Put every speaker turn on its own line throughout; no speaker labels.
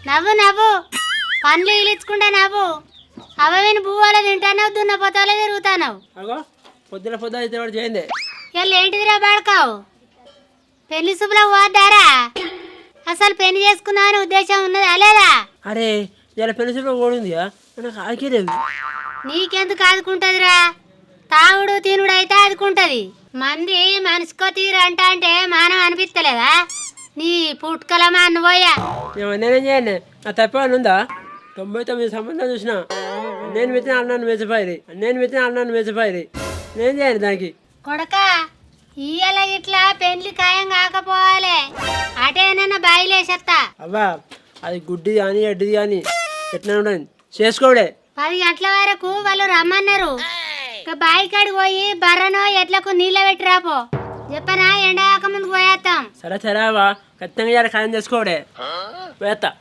నవ్వు నవ్వు పండ్లు ఇలిచుకుంటా నవ్వు అవవిని పువ్వులు తింటానవు దున్న పొతాలే తిరుగుతానవు
అగో పొద్దున పొద్దున అయితే వాడు చేయండి
ఇలా ఏంటిదిరా బాడకావు పెళ్లి శుభ్రం పోద్దారా అసలు పెళ్లి చేసుకున్నావని ఉద్దేశం ఉన్నదా లేదా
అరే ఇలా పెన్సిల్ ఓడిందిగా నాకు ఆకేలేదు
నీకెందుకు ఆదుకుంటదిరా తాగుడు తినుడు అయితే ఆదుకుంటది మంది మనిషికో తీరు అంటే మానం అనిపిస్తలేదా నీ పుట్టుకలమా నువ్వోయా
నేనేం చేయండి నా తప్పేమని ఉందా 99 సంబంధం చూసిన నేను పెట్టిన అన్నాను మెచ్చిపోయింది నేను చేయండి దానికి
కొడక ఇయ్యాల ఇట్లా పెళ్లి ఖాయం కాకపోవాలి అటేనన్నా బాయిలేసేస్తా
అవ్వా అది గుడ్డి కానీ ఎడ్డిది కానీ ఎట్లా ఉండదు చేసుకోవడే
10 గంటల వరకు వాళ్ళు రమ్మన్నారు ఇక బాయి కాడికి పోయి బర్రనో ఎట్లకు నీళ్ళ పెట్టి రాపో చెప్పనా ఎండ ముందుకు పోయేస్తాం
సరే సరే అవ్వా ఖచ్చితంగా ఇలా ఖాయం చేసుకోవడే వేస్తా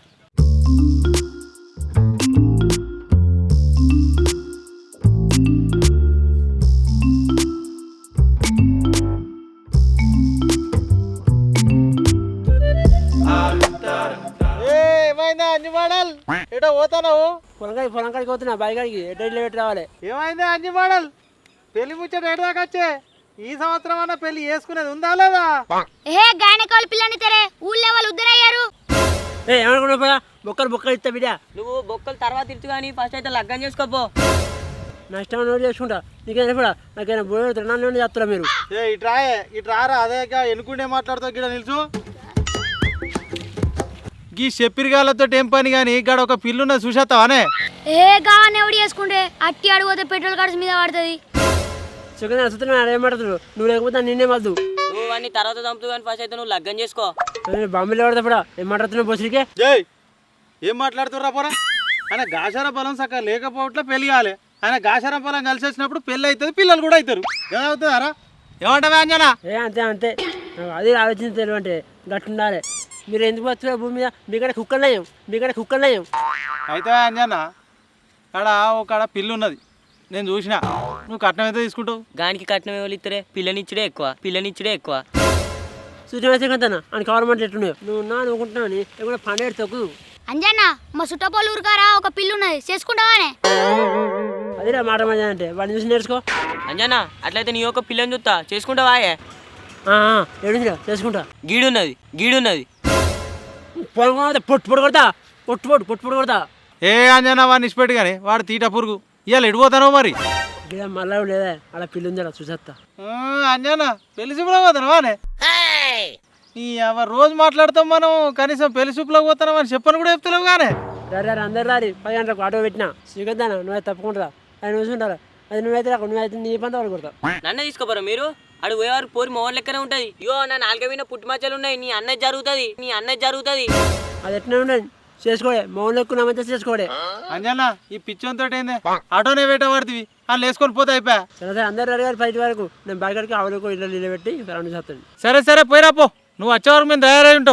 ఏమైందా అంజి మోడల్ ఎటో పోతావు
పొలంకాడికి పోతున్నా బాయి కాడికి ఎడ్డీలో పెట్టి రావాలి
ఏమైందా అంజి మోడల్ పెళ్లి ముచ్చట ఎడదాకా వచ్చే ఈ సంవత్సరం అన్న పెళ్లి చేసుకునేది ఉందా లేదా
ఏ గాయనకోళ్ళ పిల్లని తెరే ఊళ్ళో వాళ్ళు ఉద్దరయ్యారు
ఏమనుకున్నా బొక్కలు ఇస్తా బిడ్డ
నువ్వు బొక్కలు తర్వాత ఇచ్చు కానీ ఫస్ట్ అయితే లగ్గం చేసుకోపో
నా ఇష్టం నోట్ చేసుకుంటా నీకేనా కూడా నాకైనా బోర్డు తిరణాలు చేస్తారా మీరు
ఇట్రారా అదే ఎన్నుకుంటే మాట్లాడుతావు గిడ నిలుచు గీ చెప్పిరిగాలతో ఏం పని కానీ ఇక్కడ ఒక పిల్లున్న చూసేస్తావానే
ఏ గావని ఎవడు చేసుకుంటే అట్టి అడిగితే పెట్రోల్ ఖర్చు మీద పడుతుంది
చికెన్ అసలు ఏం మాట్లాడుతున్నావు నువ్వు లేకపోతే నిన్నే మద్దు
నువ్వు అన్ని తర్వాత చంపుతూ కానీ ఫస్ట్ అయితే నువ్వు లగ్గం చేసుకో
బాంబేలో పడతా కూడా ఏం మాట్లాడుతున్నావు బొసిరికే
జై ఏం మాట్లాడుతుర్రా పోరా ఆయన గాచార బలం సక్క లేకపోవట్లే పెళ్లి కాలే ఆయన గాచార బలం కలిసి వచ్చినప్పుడు పెళ్ళి అవుతుంది పిల్లలు కూడా అవుతారు ఏమవుతుందారా ఏమంటావా అంజనా
అంతే నాకు అది ఆలోచన తెలివంటే గట్టు ఉండాలి మీరు ఎందుకు వచ్చారు భూమి మీద మీకడ కుక్కలు నయం
అయితే అంజనా ఆడ ఒక పిల్లు ఉన్నది నేను చూసిన నువ్వు కట్నం అయితే తీసుకుంటావు
గానికి కట్నం ఎవరు ఇద్దరే పిల్లనిచ్చుడే ఎక్కువ
చూసిన కదా అని గవర్నమెంట్ ఎట్లున్నావు నువ్వు అనుకుంటున్నావు ఏమైనా పండుగ తొక్కు
అంజన్న మా చుట్టపోలు ఊరుకారా ఒక పిల్లు ఉన్నది చేసుకుంటావానే
అదేరా మాట మజా అంటే వాడిని చూసి నేర్చుకో
అంజనా అట్లయితే నీ యొక్క పిల్లని చూస్తా చేసుకుంటావాయే
ఏడురా చేసుకుంటా
గీడున్నది
పొట్టు కొడతా
ఏ అంజనా వాడిని ఇచ్చిపెట్టు కానీ వాడు తీట పురుగు ఇవాళ ఎడిపోతానో మరి
మళ్ళా లేదా అలా పిల్లి ఉందా చూసేస్తా
అంజనా పెళ్లి చూపులో పోతానవానే ఈ రోజు మాట్లాడతాం మనం కనీసం పెళ్లి చూపులోకి పోతాం అని చెప్పని కూడా చెప్తలేవు కానీ
అందరు రారి 10 గంటలకు ఆటో పెట్టినా శ్రీకంతానా నువ్వైతే తప్పకుండా ఆయన చూసుకుంటారా అది నువ్వైతే రాకు నువ్వైతే నీ పంత వాళ్ళు కొడతావు
నన్ను తీసుకోపోరా మీరు అడు పోయేవారు పోరి మోహన్ లెక్కనే ఉంటది ఇయో నా 4 మీద పుట్టుమచ్చలు ఉన్నాయి నీ అన్నది జరుగుతుంది
అది ఎట్లా ఉండదు చేసుకోడే మౌన్ ఎక్కువ నమ్మంతా చేసుకోడే
అంజనా ఈ పిచ్చోంతో ఏంది ఆటోనే వేట పడుతుంది అని వేసుకొని పోతే అయిపోయా
సరే అందరు అడిగారు 5 వరకు నేను బాగా ఆవులకు ఇల్లు నిలబెట్టి రౌండ్ చేస్తాను
సరే పోయిరా పో నువ్వు వచ్చే వరకు మేము తయారై ఉంటాం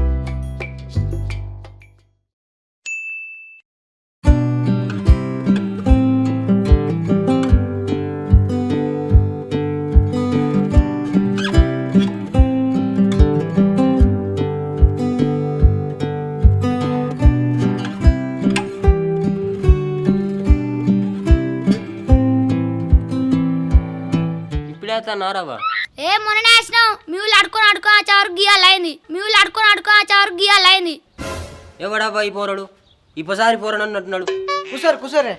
నారావా
ఏ మొన్ననే వేసినావు మీ ఊళ్ళు అడుకొని ఆ చావరు గీయాలైంది
ఎవడబ్బా ఈ పోరాడు ఇప్పసారి పోరాడు అన్నట్టున్నాడు
కుసరే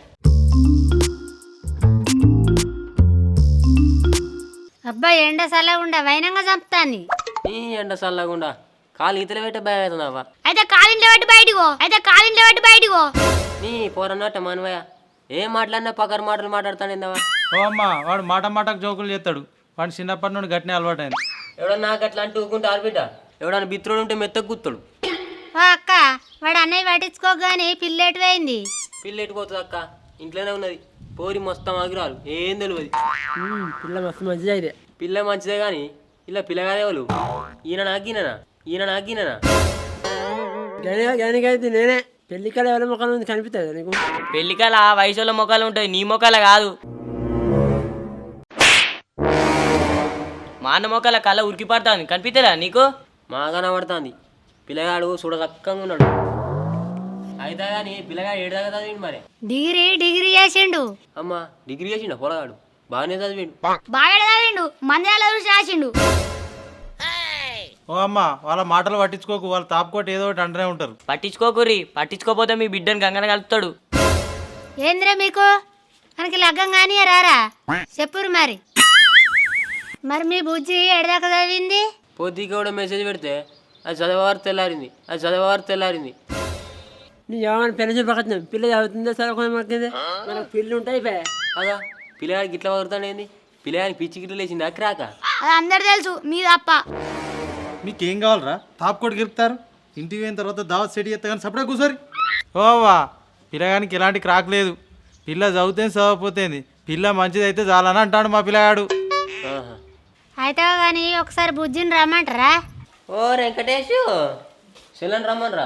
అబ్బా ఎండ సల్లగుండా వైనంగా చంపుతాంది
ఈ ఎండ చల్లగుండా కాలు ఈతలు పెట్టే భయం అవుతుందవ్వా
అయితే కాలింట్లో పెట్టి బయటికో
నీ పోరన్నట్ట మనవయ్య ఏం మాట్లాడినా పకర్ మాటలు మాట్లాడతానేందవా
ఓ అమ్మ వాడు మాటకు జోకులు చేస్తాడు వాడు చిన్నప్పటి నుండి గట్టిన అలవాటైంది
ఎవడన్నా నాకు అట్లా అంటూ ఊకుంటే ఆర్బిట ఎవడన్నా బిత్రుడు ఉంటే మెత్తకు గుత్తాడు
అక్క వాడు అన్నయ్య పట్టించుకోగానే పిల్లెటు పోయింది
పిల్ల ఎట్టుకోతుంది అక్క ఇంట్లోనే ఉన్నది పోరి మొత్తం ఆగిరాలు ఏం తెలియదు
పిల్ల మస్తు మంచిగా అయితే
పిల్ల మంచిదే కానీ ఇలా పిల్లగానే వాళ్ళు ఈయన నాగినా
అయితే నేనే పెళ్లికాల ఎవరి ముఖాలు ఉంది కనిపిస్తుంది నీకు
పెళ్లికాల వయసులో మొక్కలు ఉంటాయి నీ మొక్కల కాదు మా అన్న మొక్కల కళ్ళ ఉరికి పడుతుంది కనిపిస్తుందా నీకు మా కనబడుతుంది పిల్లగాడు చూడ చక్కగా ఉన్నాడు అయితే కానీ పిల్లగాడు ఏడు దాకా చదివిండు మరి.
డిగ్రీ చేసిండు.
అమ్మ డిగ్రీ చేసిండు పొలగాడు బాగానే చదివిండు.
బాగా చదివిండు. మందిరాల చూసి రాసిండు.
ఓ అమ్మ వాళ్ళ మాటలు పట్టించుకోకు, వాళ్ళు తాపుకోటి ఏదో ఒకటి అంటూనే ఉంటారు.
పట్టించుకోకుర్రి, పట్టించుకోపోతే మీ బిడ్డను గంగన కలుపుతాడు.
ఏంద్రే మీకు మనకి లగ్గం కానీ రారా చెప్పురు మరి. మరి మీ బుజ్జి ఎడదాకా చదివింది?
పొద్దుకి కూడా మెసేజ్ పెడితే అది చదివేవారు తెల్లారింది.
నీ ఏమైనా పెళ్లి చూపకత్తున్నాం, పిల్ల చదువుతుందో చదువుకునే మాకేంది, మనకు పిల్లలు ఉంటాయి పే.
అగా పిల్లగాడికి ఇట్లా వదులుతాడేంది? పిల్లగాడికి పిచ్చి గిట్ల లేచింది అక్కరాక.
అది అందరు తెలుసు, మీ తప్ప.
మీకేం కావాలరా? తాపుకోటి గిరుపుతారు. ఇంటికి పోయిన తర్వాత దావత్ సెట్ చేస్తా కానీ సపడే కూర్చోరి. ఓవా పిల్లగానికి ఎలాంటి క్రాక్ లేదు. పిల్ల చదివితే చదవపోతేంది, పిల్ల మంచిదైతే చాలని అంటాడు మా పిల్లగాడు.
అయితే కానీ ఒకసారి బుజ్జిని రమ్మంటారా?
ఓ వెంకటేష్ చెల్లని రమ్మనరా.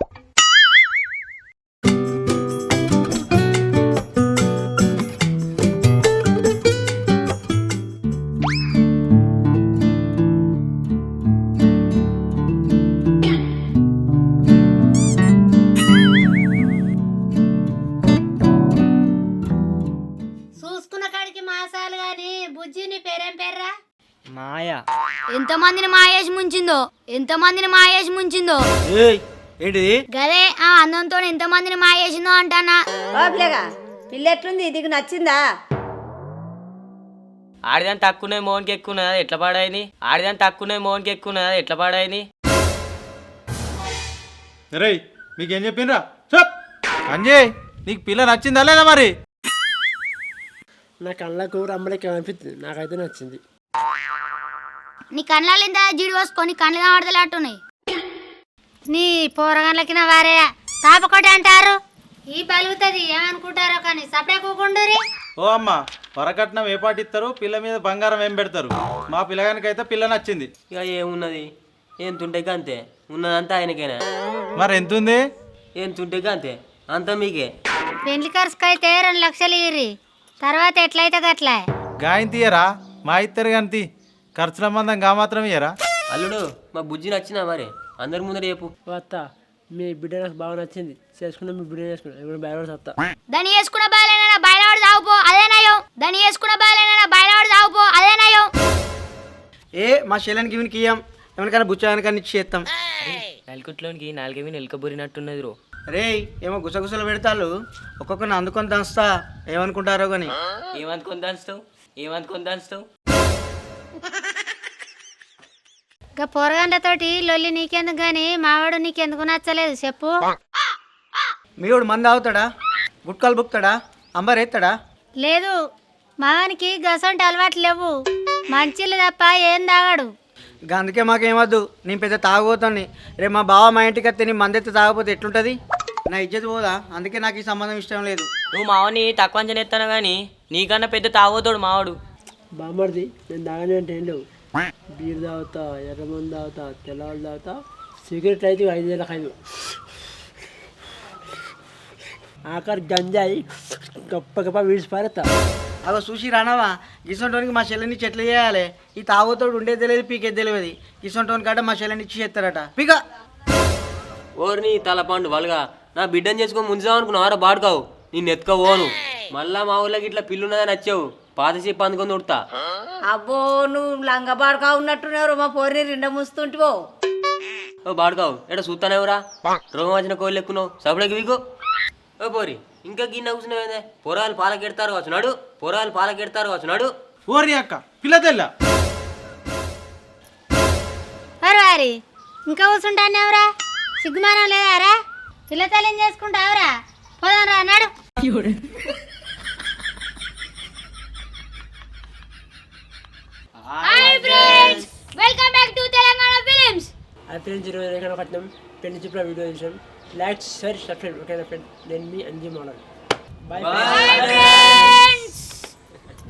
చూసుకున్న కాడికి మాసాలు గాని బుజ్జి నీ పేరేం పేర్రా?
మాయా.
ఎంతమందిని మాయేసి ముంచిందో
ఏంటిది?
గదే ఆ అందంతో ఎంతమందిని మాయేసిందో అంటానా.
బాబులేగా పిల్ల ఎట్లుంది, నీకు నచ్చిందా?
ఆడిదాన్ని తక్కువనే మోహన్కి ఎక్కువన్నదా ఎట్లా పాడాయని?
రే మీకేం చెప్పిండ్రా? చెప్ అంజయ్, నీకు పిల్ల నచ్చిందా లేదా మరి?
నా కళ్ళకు రమ్మలకి అనిపిస్తుంది, నాకైతే నచ్చింది.
నీ కళ్ళాలు ఇంత జీడి పోసుకొని కళ్ళు కనబడతలేట్టున్నాయి. నీ పోరగండ్లకి నా వారే తాపకోటి అంటారు. ఈ బలుగుతుంది ఏమనుకుంటారో కానీ సపడే కూకుండూరి.
ఓ అమ్మ వరకట్నం ఏ పాటి ఇస్తారు, పిల్ల మీద బంగారం ఏం పెడతారు? మా పిల్లగానికైతే పిల్ల నచ్చింది.
ఇక ఏమున్నది, ఏం తుంటే అంతే, ఉన్నదంతా ఆయనకేనా?
మరి ఎంత ఉంది?
ఏం తుంటే అంతే, అంతా మీకే.
పెళ్లి ఖర్చుకు అయితే 2 లక్షలు ఇయ్యి, తర్వాత ఎట్లయితే గట్లా.
గాయం తీయరా? మా ఇద్దరు కానీ ఖర్చుల మందం గా మాత్రం ఇయ్యరా?
అల్లుడు మా బుజ్జి నచ్చినా మరి అందరి ముందర చెప్పు.
అత్త మీ బిడ్డ నాకు బాగా నచ్చింది, చేసుకున్నా మీ బిడ్డ చేసుకున్నా, ఇప్పుడు బయట వస్తా.
దాన్ని వేసుకున్న బాలేనా బయలాడు తాగుపో అదే నయం.
ఏ మా శైలానికి ఇవనికి ఇయ్యం, ఎవరికైనా బుచ్చానికని ఇచ్చి చేస్తాం.
నలుగుట్లోనికి నాలుగవి నెలకబురినట్టున్నది రో.
రే ఏమో గుసగుసలు పెడతాళ్ళు, ఒక్కొక్కరిని అందుకొని దంచుతా, ఏమనుకుంటారో కానీ.
ఏమనుకొని దాస్తావు?
ఇక పోరగండ్లతోటి లొల్లి నీకెందుకు గాని మావాడు నీకెందుకు నచ్చలేదు చెప్పు.
మీవాడు మంది అవుతాడా, గుట్కాలు బుక్తాడా, అంబర్ ఎత్తాడా?
లేదు, మావానికి గసంటి అలవాట్లు లేవు, మంచిలు తప్ప ఏం తాగాడు.
ఇక అందుకే మాకేమద్దు, నేను పెద్ద తాగబోతాను. రేపు మా బావ మా ఇంటికి వస్తే నీ మందెత్తి తాగపోతే ఎట్లుంటుంది? నా ఇజ్జత్ పోదా? అందుకే నాకు ఈ సంబంధం ఇష్టం లేదు.
నువ్వు మావని తక్కువ అంచనా ఎత్తాను కానీ నీకన్నా పెద్ద తాగోతాడు మావాడు.
బామ్మర్ది నేను తాగనే అంటే ఏం లేవు. బీర్ తాగుతా, ఎర్రమంది తాగుతా, తెల్లవాళ్ళు తాగుతా, సిగరెట్ అయితే 5,500. ఆఖరి గంజాయి గొప్ప వీడిసి పారేస్తా.
అగో చూసి రానవా, గిసంటోనికి మా చెల్లెని చెట్లు చేయాలి. ఈ తాగుతోడు ఉండేది తెలియదు, పీకేది తెలియదు. గిసంటోని కాడ మా చెల్లెని ఇచ్చి చేస్తారట. పీక
ఓర్ని తలపండు వాళ్ళగా నా బిడ్డను చేసుకొని ముంచుదాం అనుకున్నావారా బాడుకావు, నేను ఎత్తుకోవోను. మళ్ళా మా ఊళ్ళకి ఇట్లా పిల్లున్నదని వచ్చావు, పాత చెప్పు అందుకొని ఉడతా.
అబ్బో నువ్వు లంగబాడుకా ఉన్నట్టున్నారు, మా పోరిని 2 ముస్తుంటివో.
ఓ బాడుకావు ఎక్కడ చూస్తానేవరా, రోగం వచ్చిన కోళ్ళు ఎక్కున్నావు సపడకి వీకు. ఓ పోరి ఇంకా గిన్నె కూర్చున్నావేందే, పొరాలు పాలకెడతారు కావచ్చు నాడు.
ఓరి అక్క పిల్ల తెల్ల
వారి ఇంకా కూర్చుంటానేవరా, సిగ్గుమానం లేదారా? పిల్లతల్లిని చేసుకుంటావురా, పోదాం రా అన్నాడు. Hi friends, welcome back to Telangana films.
అది ఫ్రెండ్స్ ఈరోజు రేఖన కట్నం పెళ్లి చూపుల వీడియో చూసాం. లైక్ షేర్ సబ్స్క్రైబ్ ఓకేనా ఫ్రెండ్. నేను మీ అంజీ మోడల్. Bye
friends.